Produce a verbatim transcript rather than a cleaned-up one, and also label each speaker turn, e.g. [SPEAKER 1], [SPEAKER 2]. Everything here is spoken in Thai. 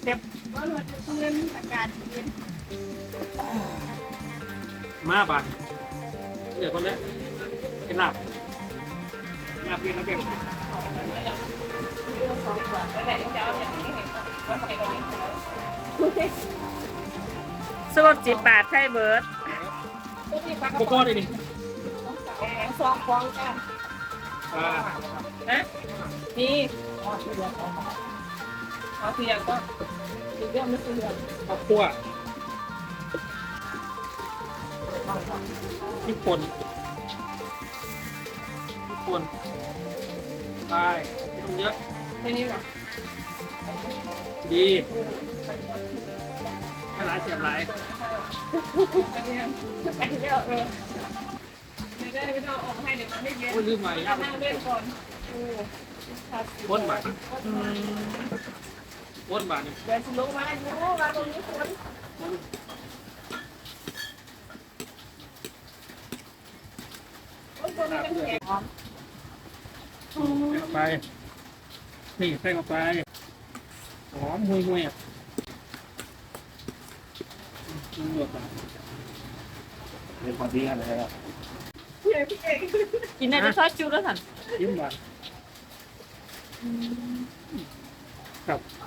[SPEAKER 1] เด็บว่าเราจะเล่นอากาศเย็น
[SPEAKER 2] มาบ้านเดี๋ยวคนนี้กินลาบลาบเพียงแล้วเพียง
[SPEAKER 1] สูตรจีบาทไทยเบิร์ด
[SPEAKER 2] โกโก้เลยนี่
[SPEAKER 1] สองฟองจ้ะ
[SPEAKER 2] อ่า
[SPEAKER 1] นะนี่เอาเสียงก็สีเรื่องไม่เสียง
[SPEAKER 2] ข้าวคั่วพริกป่นพริกป่นไปไม่ต้องเยอะ
[SPEAKER 1] ไม่นี่หรอ
[SPEAKER 2] ดีให้หลายเสียบหลาย
[SPEAKER 1] อันนี้อันนี้เออไม่ได้ไม่ต้องออกให้เดี๋ยวมันไม่เย็น
[SPEAKER 2] โอ้ยลืมใหม่
[SPEAKER 1] เรานั่งเล่นก่อน
[SPEAKER 2] ป้นบาทป้นบาทนี่
[SPEAKER 1] เดี๋ยวฉันลงมาอยู่มาตรงนี้คนคนคนนี้มันแข็ง
[SPEAKER 2] ใส่ไปนี่ใส่เข้าไปหอมห่วยห่วยอ่ะอืมหยดอ่ะ
[SPEAKER 3] เรื่องความดีกันเลยครับ
[SPEAKER 1] กินได้จะซอสจูแล้วสัน
[SPEAKER 2] ยิ้มหวานครับ